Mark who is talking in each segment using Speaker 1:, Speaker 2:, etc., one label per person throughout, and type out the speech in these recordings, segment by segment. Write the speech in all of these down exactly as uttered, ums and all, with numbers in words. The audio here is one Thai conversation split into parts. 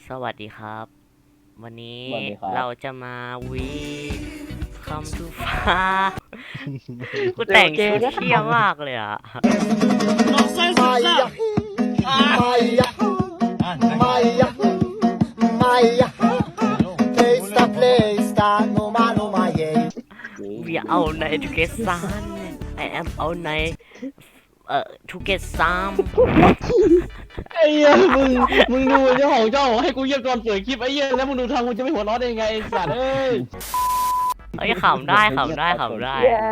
Speaker 1: สวัสดีครับ วันนี้
Speaker 2: สวัสดีครับ
Speaker 1: เราจะมาวีคำทูฟ้า กูแต่งชุดเที่ยมากเลยอ่ะ
Speaker 3: Maya, Maya, Maya, Maya. Esta plesta no mano Maya.
Speaker 1: วีเอาในทูเกซานไอแอมเอาในเอ่อทูเกซาม
Speaker 2: ไอ้เหี้ยมึงมึงดูเจ้าของเจ้าให้กูเยี่ยมตอนเปิดคลิปไอ้เหี้ยแล้วมึงดูทางมึงจะไม่หัวเราะได้ยังไงไอ้สัตว์เอ้ย
Speaker 1: เอ้ยขำได้ขำได้ขำได้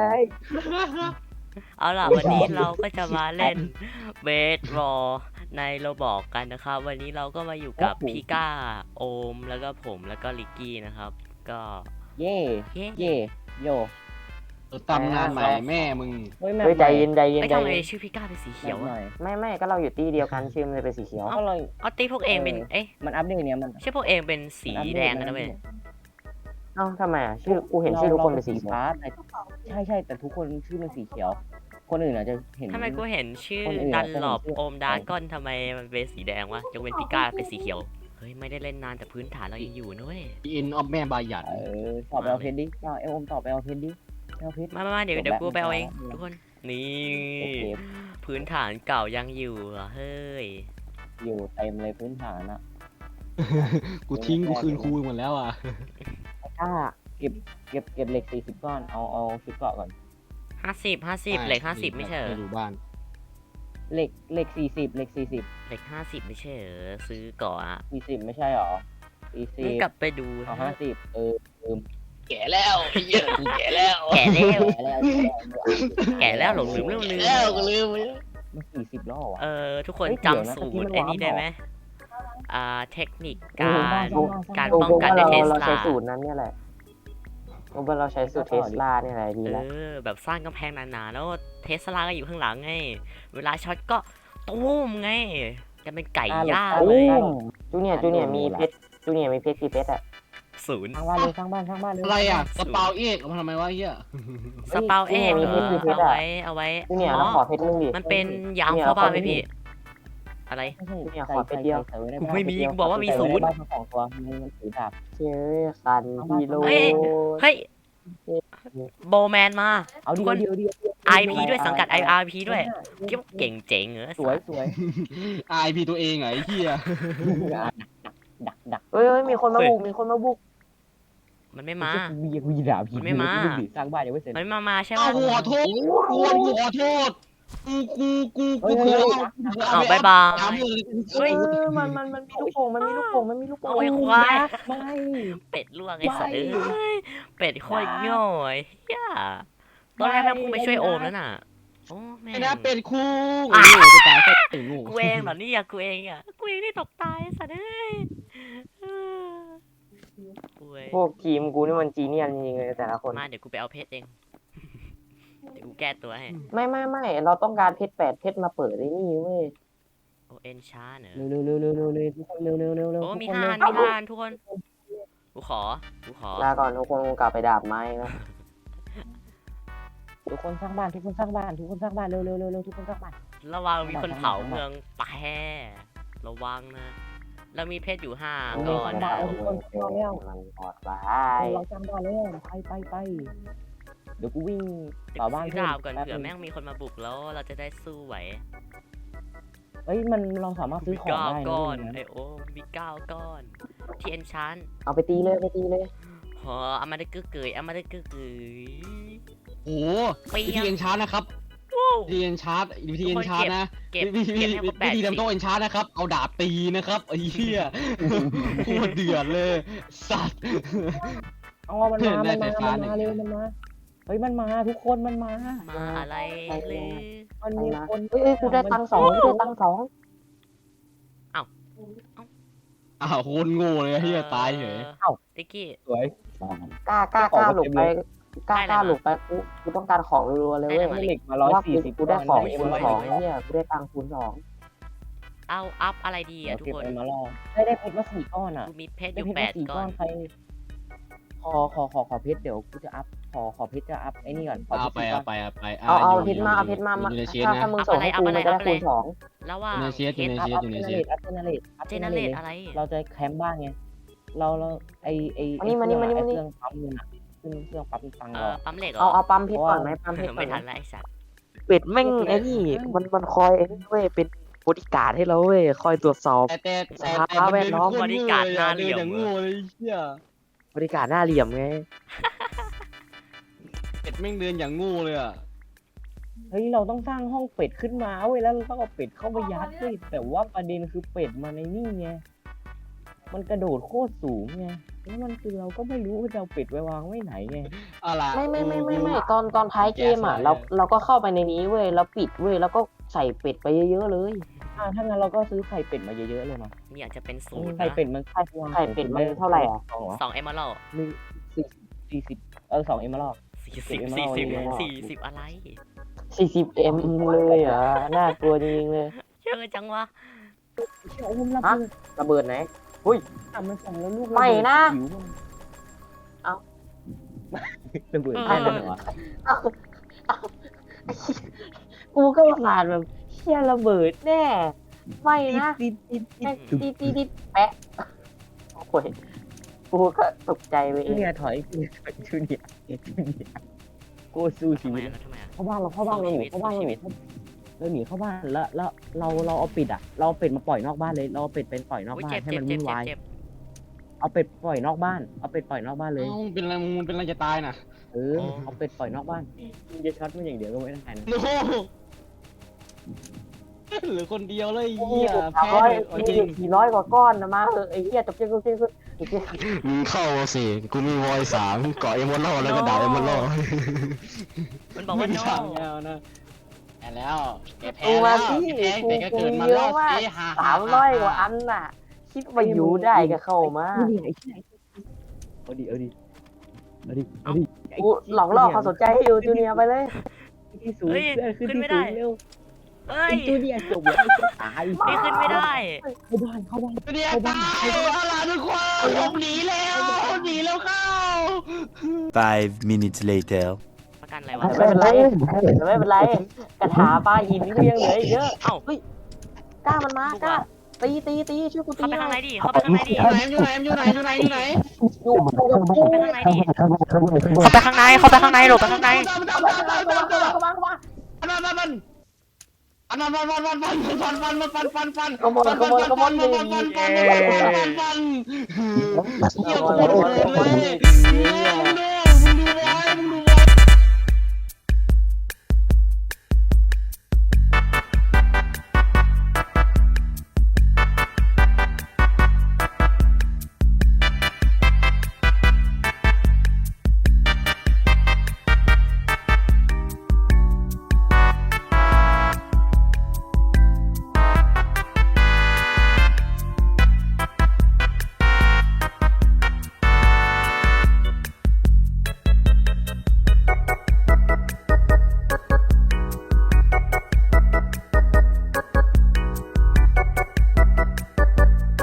Speaker 1: เอาล่ะวันนี้เราก็จะมาเล่นเบสบอลในโรบอกกันนะครับ วันนี้เราก็มาอยู่กับพี่ก้าโอมแล้วก็ผมแล้วก็ลิกกี้นะครับ ก็
Speaker 2: เย่
Speaker 1: เย้
Speaker 2: เย่โยตำนานใหม่แม่มึง
Speaker 4: เฮ้ยแม่
Speaker 5: เฮ้ยใจเย็นใจเย็น
Speaker 1: ไอ้ย
Speaker 5: ใจ
Speaker 1: ทำไม
Speaker 5: เย็น
Speaker 1: ชื่อพี่ก้าเป็นสี
Speaker 4: เขี
Speaker 1: เขี
Speaker 4: ย
Speaker 1: ยว ว
Speaker 4: หน่
Speaker 1: อะ
Speaker 4: อย
Speaker 5: ไม่ไม่ก็เราอยู่ตีเดียวกันชื่อมันเลยเป็นสีเขียว
Speaker 4: ก็เลย
Speaker 1: เอาตีพวกเองเป็น เอ๊ะ
Speaker 4: มันอัปเดตเนี่ยมัน
Speaker 1: ชื่อพวกเองเป็นสีแดงกันนะเว้ย
Speaker 5: เอ้าทำไมอ่ะชื่อกูเห็นชื่อทุกคนเป็นสีเขียว
Speaker 4: ฟ้าแต่ใช่ใช่แต่ทุกคนชื่อเป็นสีเขียว คนอื่นอาจจะเห็น
Speaker 1: ทำไมกูเห็นชื่อ
Speaker 4: คนอื่น
Speaker 1: ดั
Speaker 4: อะ
Speaker 1: น
Speaker 4: จะ
Speaker 1: หลอบ
Speaker 4: เห็นชื่อ
Speaker 1: โอมดาร์ก้อนทำไมมันเป็นสีแดงวะยกเว้นพี่ก้าเป็นสีเขียว เฮ้ยไม่ได้เล่นนานแต่พื้นฐานเรายังอยู่นะเว้ย
Speaker 2: อินออฟแม่บาหยัน
Speaker 4: เออตอบไปเอาเพชรดิเอาเอลอมตอบไปเอาเพชรดิเอาเพชร
Speaker 1: มามามาเดี๋ยว
Speaker 4: จบ
Speaker 1: เดี๋ยว
Speaker 4: แล้ว
Speaker 1: กูไปเอาเอง
Speaker 4: ไม่
Speaker 1: ทุก
Speaker 4: เอา
Speaker 1: คน นี่
Speaker 4: โอเค
Speaker 1: พื้นฐานเก่ายังอยู่เหรอเฮ้ย
Speaker 4: อยู่เต็มเลยพื้นฐานอะ
Speaker 2: กูทิ้งกูคืนครูหมดแล้วอ่ะ
Speaker 4: ถ้าเก็บเก็บเก็บเหล็กสี่สิบก้อนเอาเอาชุดเกราะก่อน
Speaker 1: ห้าสิบห้าสิบเหล็กห้าสิบไม่ใช่เหรอ
Speaker 2: อยู่บ้าน
Speaker 4: เหล็กเหล็กสี่สิบเหล็กสี่สิบ
Speaker 1: เหล็กห้าสิบไม่ใช่เหรอซื้อก่อนอะ
Speaker 4: สี่สิบไม่ใช่หรอสี่สิ
Speaker 1: มึง
Speaker 4: บ
Speaker 1: กลับไปดู
Speaker 4: เอาห้าสิบเออ
Speaker 2: แก่แล้วไอ้เหี้ยกูแก่แล้ว
Speaker 1: แก่แล้ว
Speaker 4: แก่แล้ว
Speaker 1: แก่แล้วหลงลืมเรื่องลืม
Speaker 2: แล้วก็ลืมไป
Speaker 4: มันสี่สิบแล้วเหรอวะ
Speaker 1: เออทุกคน
Speaker 4: เฮ้ยเดี๋ยวนะ
Speaker 1: จำสูต
Speaker 4: ตะกี้
Speaker 1: ร
Speaker 4: มัน
Speaker 1: ไอ้นี่
Speaker 4: ว้าว
Speaker 1: ได้ไหม
Speaker 4: เหรอ
Speaker 1: อ่าเทคนิค
Speaker 4: โอ้
Speaker 1: การ
Speaker 4: โห
Speaker 1: การ
Speaker 5: กู
Speaker 1: ป้อง
Speaker 5: กู
Speaker 1: กัน
Speaker 5: ว่า
Speaker 1: ด้วย
Speaker 5: เรา
Speaker 1: เทส
Speaker 5: เรา
Speaker 1: ลา
Speaker 5: ใช้สูตรนั้นเนี่ยแหละกูว่าเราใช้สูตรเทสลาเนี่ยแหละดี
Speaker 1: เอ
Speaker 5: แล้ว
Speaker 1: อแบบสร้างกำแพงหนาๆแล้วเทสลาก็อยู่ข้างหลังไง เวลาช็อตก็ตุ้มไงจะเป็นไก่ย่าง
Speaker 4: อ่ะ
Speaker 1: เลย
Speaker 4: หลบ
Speaker 5: จูเนียร์จูเนียร์มีเพชรจูเนียร์มีเพชรกี่เพชรอ่ะ
Speaker 1: ศูนย์
Speaker 4: สร้างบ้านเลยสร้างบ้านสร้างบ้านเลย
Speaker 2: อะไรอ่ะสปาวเอกเอามาทำไมวะไอ้เหี้ย
Speaker 1: สเปาเอกเหรอเอาไว้เอาไว้
Speaker 5: จูเนียร์
Speaker 1: อ๋
Speaker 5: เรา
Speaker 1: อ
Speaker 5: ขอเพชรนึงดิ
Speaker 1: มันเป็นยามเข้าบ้านไหมพี่ อะไร
Speaker 4: ไม่ใช่
Speaker 5: เนี่ยขอเพชรเดียว
Speaker 4: ใส่ว้ใน
Speaker 1: กู
Speaker 4: บ้าน
Speaker 1: ไม่มี
Speaker 4: เพชรเดีย
Speaker 1: กูบอกว่ามี
Speaker 4: ใส่
Speaker 1: ศูนย์
Speaker 4: ไในบ้านทั้งสองตัวมันมันถือดาบ
Speaker 5: เชื่อคันฮีโร่
Speaker 1: เฮ้ย เฮ้ยโบแมนมา
Speaker 4: เอา
Speaker 1: ทุ
Speaker 4: ดี
Speaker 1: กคน
Speaker 4: เดียวเดียวเดียว
Speaker 1: ไอ พี ด้วยสังกัด ไอ อาร์ พี ด้วยคิดว่าเก่งเจ๋งเหรอ
Speaker 4: สวยสวย
Speaker 2: ไอพีตัวเองเหรอไอ้เหี้ย
Speaker 4: ดักดัก
Speaker 5: เฮ้ยเฮ้ยมีคนมาบุกมีคนมาบุก
Speaker 1: มันไม่มา
Speaker 4: กูมีกูมีดาบ
Speaker 1: มันไม่มา
Speaker 4: กูสร้างบ้านยังไม่เสร็จ
Speaker 1: มันไม่มามาใช่ไหม
Speaker 2: อ้าวกูขอโทษกูกูขอโทษกูกูกูกูเผื่อเอา
Speaker 1: อ้าวบายบาย
Speaker 2: ตามเลย
Speaker 1: เฮ้ย
Speaker 5: เออมันมันมันมีลูกโป่งมันมีลูกโป่งมันมีลูกโป่ง
Speaker 1: โอ้ยควาย
Speaker 4: ไม่
Speaker 1: เป็ดล่วงไอ้สัตว์เอ้ยเป็ดโคตรง่อยเฮียตอนแรกแม่งพุ่งไปช่วยโอมแล้วน่ะ โอ้แม่ง
Speaker 2: ไม่นะเป็นคู่โอ้โหจะตายแค่ถึงงู
Speaker 1: กูเองเหรอเนี่ยกูเองอ่ะกูเองที่ตกตายไอ้สัตว์เอ้ยเออกูเอง
Speaker 5: พวกทีมกูนี่มันจีเนียสจริงๆเลยแต่ละคน
Speaker 1: มาเดี๋ยวกูไปเอาเพชรเอง เดี๋ยวกูแก้ตัวให้
Speaker 5: ไม่ไม่ไม่เราต้องการเพชรแปดเพชรมาเปิดไอ้นี่เว้ย
Speaker 1: โอเอ็นช้าเนอะ
Speaker 4: เร็วเร็วเร็วเร็วเร็วทุกคนเร็วเร็วเร็วเร็ว
Speaker 1: โอ้
Speaker 4: ทุก
Speaker 1: มี
Speaker 4: คน
Speaker 1: ห้า
Speaker 4: เร็
Speaker 1: อั
Speaker 4: วน
Speaker 1: มีห้าอันทุกคน กูขอ กูขอ
Speaker 5: ลาก่อนทุกคนกลับไปดาบไม้นะ
Speaker 4: ทุกคนสร้างบ้านทุกคนสร้างบ้านทุกคนสร้างบ้านเร็วเร็วเร็วเร็วทุกคนสร้างบ้าน
Speaker 1: ระวังมีคนเผาเมืองแปรระวังนะ เรามีเพชรอยู่ห้าก่อนนะ
Speaker 4: ทุกคนสร้างแล้ว
Speaker 5: มันปลอดภั
Speaker 4: เราสร้างบ้านแล้วไปไปไปเดี๋ยวกูวิ่ง
Speaker 1: เดี๋ยว
Speaker 4: ต่อ
Speaker 1: กู
Speaker 4: บ้าน
Speaker 1: ซื้อ
Speaker 4: เพิ่ม
Speaker 1: ดาบก่อน
Speaker 4: แป๊บ
Speaker 1: เผื่อ
Speaker 4: นึง
Speaker 1: แม่งมีคนมาบุกแล้วเราจะได้สู้ไหว
Speaker 4: เอ้ยมันเราสามารถซื้
Speaker 1: มี
Speaker 4: อของ
Speaker 1: เก้า
Speaker 4: ได้นะ
Speaker 1: ก้อน
Speaker 4: เว้ย
Speaker 1: ไอโอ้มีเก้าก้อน ที่เอ็นชัน
Speaker 5: เอาไปตีเลยไปตีเลย
Speaker 1: หอเอามาได้กึกเกยเอามาได้กึกเกย
Speaker 2: โอ้โห
Speaker 1: เปี
Speaker 2: วิ
Speaker 1: ย
Speaker 2: ธี
Speaker 1: ง
Speaker 2: เอ็นชาร์นะครับ
Speaker 1: ว้าว
Speaker 2: วิธีเอ็นชาร์วิธีเอ็นชาร์นะ
Speaker 1: เก็บ
Speaker 2: วิธี
Speaker 1: เก็บให้ครบแปด
Speaker 2: วิธี
Speaker 1: สิบ
Speaker 2: ทำโต๊ะเอ็นชาร์นะครับ เอาดาบตีนะครับไอ้เหี้ยโคตรเดือดเลย สัตว์
Speaker 4: อ๋อมันมา
Speaker 2: ได้
Speaker 4: มัน
Speaker 2: ไฟ
Speaker 4: มา
Speaker 2: ฟ้า
Speaker 4: มัน
Speaker 2: หนึ่ง
Speaker 4: มาเร็วมันมาเฮ้ยมันมาทุกคนมันมา
Speaker 1: มาอะไรเลย
Speaker 4: มันมีคน
Speaker 5: เอ้ยเอ้ยกูได้ตังค์สองกูได้ตังค์สอง
Speaker 2: อ้าวโคตรโง่เลยไอ้เหี้ยตายเฉย
Speaker 1: เอ้าติ๊กกี้
Speaker 4: สวย
Speaker 5: กล้ากล้ากล้าหลบไปกล้ากล้าหลบไปกูกูต้องการของรัวๆเลยเว้ย
Speaker 4: เหล็กมา
Speaker 5: เพ
Speaker 4: ร้อย
Speaker 5: ราะว่า
Speaker 4: สี่
Speaker 5: กู
Speaker 4: สิบ
Speaker 5: กูได้ของคูณสองไอ้เนี่ยกูได้ตังค์คูณสอง
Speaker 1: เอาอัพอะไรดี
Speaker 4: เดี๋ย
Speaker 1: อ่ะ
Speaker 4: ว
Speaker 1: ทุก
Speaker 4: เก็บ
Speaker 1: คน
Speaker 4: ไปมาล่อได้ได้เพชรมาสี่ก้อนอ่ะ
Speaker 1: กูมีเพชรอ
Speaker 4: ได้
Speaker 1: ยู่
Speaker 4: เพชร
Speaker 1: แป
Speaker 4: มา
Speaker 1: ด
Speaker 4: สี่
Speaker 1: ก้
Speaker 4: ก้
Speaker 1: อ
Speaker 4: อน นใครขอขอขอขอเพชรเดี๋ยวกูจะอัพขอขอเพชรจะอัพไอ้นี่ก่อนขอ
Speaker 2: เอา
Speaker 4: เพ
Speaker 2: ไป
Speaker 4: ชรก่
Speaker 2: เอา
Speaker 4: อน
Speaker 2: ไปเอาไป
Speaker 5: เอาเอา
Speaker 2: ยู่
Speaker 5: เพชรมาเอาเพชรมา
Speaker 2: อยู่
Speaker 5: มา
Speaker 2: อยู่ในเชส
Speaker 5: ถ้า
Speaker 2: นะ
Speaker 5: ถ้ามึงส่งให้กูมันจะได้คูณสอง
Speaker 1: แล้วว่า
Speaker 2: อยู่ในเชสอยู่ใน
Speaker 4: อัพ
Speaker 2: เช
Speaker 4: อั
Speaker 2: ส
Speaker 4: พ
Speaker 2: อยู่
Speaker 4: เจ
Speaker 2: ใน
Speaker 4: เน
Speaker 2: เช
Speaker 4: เร
Speaker 2: ส
Speaker 4: ตอัพเจเนเรตอัพ
Speaker 1: เจ
Speaker 4: เจ
Speaker 1: เน
Speaker 4: เน
Speaker 1: เร
Speaker 4: เร
Speaker 1: ต
Speaker 4: ต
Speaker 1: อะไร
Speaker 4: เราจะแคมป์บ้านไงเราเราไอไอไอ
Speaker 5: มานี่มานี่มานี่
Speaker 4: ไอ
Speaker 5: มานี่
Speaker 4: เครื่องปั๊มเงินอะขึ้นเครื่องปั๊มตังค์
Speaker 1: เอ
Speaker 4: เรา
Speaker 1: อ
Speaker 4: อะ
Speaker 1: ปั๊มเหล็กเหร
Speaker 5: เอา
Speaker 1: อ
Speaker 5: เอาปั๊มเพชรก่อนไหมปั๊มเพชรก่
Speaker 1: ไม่
Speaker 5: อนไหม
Speaker 1: ทันแล้วไอ้สัตว์
Speaker 6: เป็ดแม่งไอ้นี่มันมันคอยไอ้นี่เว้ยเป็นบริการให้เราเว้ยคอยตรวจสอบ
Speaker 2: แต่แต่แต่
Speaker 6: สภาพแวดล้อม
Speaker 2: เดินโคตโง่เลยอะเดินอย่างโง่เลยเชี่ย
Speaker 6: บริการหน้าเหลี่ยมไง
Speaker 2: เป็ดแม่งเดินอย่างโง่เลยอ่ะ
Speaker 4: เฮ้ยเราต้องสร้างห้องเป็ดขึ้นมาเว้ยแล้วเราต้องเอาเป็ดเข้าไปยัดเว้ยแต่ว่าประเด็นคือเป็ดมันในนี่ไงมันกระโดดโคตรสูงไงแล้วมันคือเราก็ไม่รู้ว่าจะเอาเป็ดไปวางไว้ไหนไง
Speaker 2: เอาล่ะ
Speaker 5: ไม่ไม่ไม่ไม่ไม่ตอนตอนท้ายเกมอ่ะเราเราก็เข้าไปในนี้เว้ยแล้วปิดเว้ยแล้วก็ใส่เป็ดไปเยอะๆเลย
Speaker 4: อ่าถ้างั้นเราก็ซื้อไข่เป็ดมาเยอะๆเลยเนาะ
Speaker 1: นี่อาจจะเป็นสูตร
Speaker 4: ไข่
Speaker 1: นะ
Speaker 4: เป็ดมัน
Speaker 5: ไข่ไข่เป็ดมันเท่าไหร่อ่ะ
Speaker 4: สองเหรอ
Speaker 1: สองเอมเมอรัล
Speaker 4: หนึ่งสี่สี่สิบเออสองเอ็มมาลอก
Speaker 1: สี่
Speaker 4: สิ
Speaker 1: สิบบ
Speaker 4: เอมเมอ
Speaker 1: สี่
Speaker 4: รัล
Speaker 1: สิบ
Speaker 4: เอมเมอรัล
Speaker 1: สี่สิบอะไร
Speaker 5: สี่สิบเอ็มเลยเหรอน่ากลัวจริงๆเลย
Speaker 1: เชื่อจังวะ
Speaker 4: เชี่ยโอ้มระ
Speaker 5: ฮะ
Speaker 4: เบิด
Speaker 5: ระเบิดไหน
Speaker 4: อ่ะมันส่งแล้วลูก
Speaker 5: ไม่นะ
Speaker 4: หิวมัน
Speaker 5: เอ้า
Speaker 4: ระเบิดแค่นั้นเหรอวะ
Speaker 5: กูก็ผ่านแบบเชี่ยระเบิดแน่ไม่นะ
Speaker 4: ติดติดติ
Speaker 5: แม่
Speaker 4: ด
Speaker 5: งตีตีตีแปะโอ้ยกูก็ตกใจไปเอ
Speaker 4: จู
Speaker 5: ง
Speaker 4: เนียร์ถอยจูเนียร์ถอยจูเนียร์จูเนียร์โกสู้ชี
Speaker 1: ทำไม
Speaker 4: วิต
Speaker 1: อะแล้วทำไมอะ
Speaker 4: เข้าบ้านเราเข้าบ้านเราหนีเข้าบ้านเราหนีเราหนีเข้าบ้านแล้วแล้วเราเราเอาเป็ดอ่ะเราเอาเป็ดมาปล่อยนอกบ้านเลยเราเอาเป็ดเป็นปล่อยนอก
Speaker 1: อุ๊ย
Speaker 4: บ้าน
Speaker 1: เจ็บ
Speaker 4: ให้
Speaker 1: เจ็บ
Speaker 4: มัน
Speaker 1: เจ็บ
Speaker 4: วุ่น
Speaker 1: เจ็บ
Speaker 4: วาย
Speaker 1: เจ็บ
Speaker 4: เอาเป็ดปล่อยนอกบ้านเอาเป็ดปล่อยนอกบ้านเลย
Speaker 2: เอ้าเป็นอะไรมึงมึงเป็นอะไรจะตายน่ะ
Speaker 4: เออเอาเป็ดปล่อยนอกบ้านมึงจะช็อตมันอย่างเดียวก็ไม่ได้นะ
Speaker 2: โน้เหลือคนเดียวเลย
Speaker 5: โอ้
Speaker 2: เหี้ย
Speaker 5: สาม
Speaker 2: แพ้
Speaker 5: ร้อย
Speaker 2: เลยเอาจ
Speaker 5: มี
Speaker 2: ริง
Speaker 5: สี่ร้อยกว่าก้อนนะมาเถอะไอ้เหี้ยจบเกมจบเกมจบเกม
Speaker 7: มึงเข้ามาสิ กูมีวอยสามเกาะเอมอนล่อแล้วก็ด่าเอมอนล่อ
Speaker 1: มันบอกว่า
Speaker 2: ไม่
Speaker 1: โน
Speaker 2: ทำแล้วนะแพ้แล้วแกแพ้
Speaker 5: กู
Speaker 2: แล้
Speaker 5: มาว สิ
Speaker 2: แกแพ้
Speaker 5: กู
Speaker 2: แต่ก็
Speaker 5: กู
Speaker 2: เกิด
Speaker 5: มี
Speaker 2: มา
Speaker 5: เย
Speaker 2: ร
Speaker 5: อะ
Speaker 2: อด
Speaker 5: มาก
Speaker 2: สิฮ่า
Speaker 5: สามร้อยกว่าอันน่ะ คิดว่าอยู่ได้ก็เข้ามา
Speaker 4: นี่ไอ้ที่ไหนเอาดิเอาดิเอาดิเอาดิ
Speaker 5: กูหลอกล่อความสนใจให้อยู่จูเนียร์ไปเลย
Speaker 4: ที่สูง
Speaker 1: เฮ้ย
Speaker 4: เพื่อนขึ้น
Speaker 1: ขึ้น
Speaker 4: ที่
Speaker 1: ไม่
Speaker 4: สู
Speaker 1: ได้
Speaker 4: งเร็ว
Speaker 1: เอ้ย
Speaker 4: ไอ้จูเนียร์จบแล้วไอ้เจ้าตาย
Speaker 1: นี่ขึ้นไม่ได้
Speaker 4: เข้าบ้านเข้าบ้าน
Speaker 2: เดียวตายเอาล่ะทุกคนผมหนีแล้วหนีแล้วเข้า
Speaker 7: Five minutes later
Speaker 1: ประกันอะไรวะ
Speaker 5: ไม่เป็นไรแต่ไม่เป็นไรกระถาปลาหินก็ยังเหลืออีกเยอะ
Speaker 1: เอ้า
Speaker 5: กล้ามันมากล้าตีตีตีช่วยกูตี
Speaker 1: เข้าไป
Speaker 5: หน่
Speaker 1: ข้างใน
Speaker 5: อย
Speaker 1: ดิ เข้าไปข้างในดิ
Speaker 2: อยู่ไหนอยู่ไหนอยู่ไหนอยู่ไหนอยู่ไหน
Speaker 5: อยู่อยู่กับกู
Speaker 1: เข้าไปข้างในดิ เข้าไปข้างใน เข้าไปข้างในหลบไปข้างใน
Speaker 5: เข้ามาเข้ามา
Speaker 2: ฟันฟันฟันอันนั้นฟันฟันฟันฟันฟันฟันฟันฟันฟัน
Speaker 5: ขโมยขโมยขโมย
Speaker 2: ฟันฟันฟันฟันฟันฟันฟันเยี่ยมโคตรเลย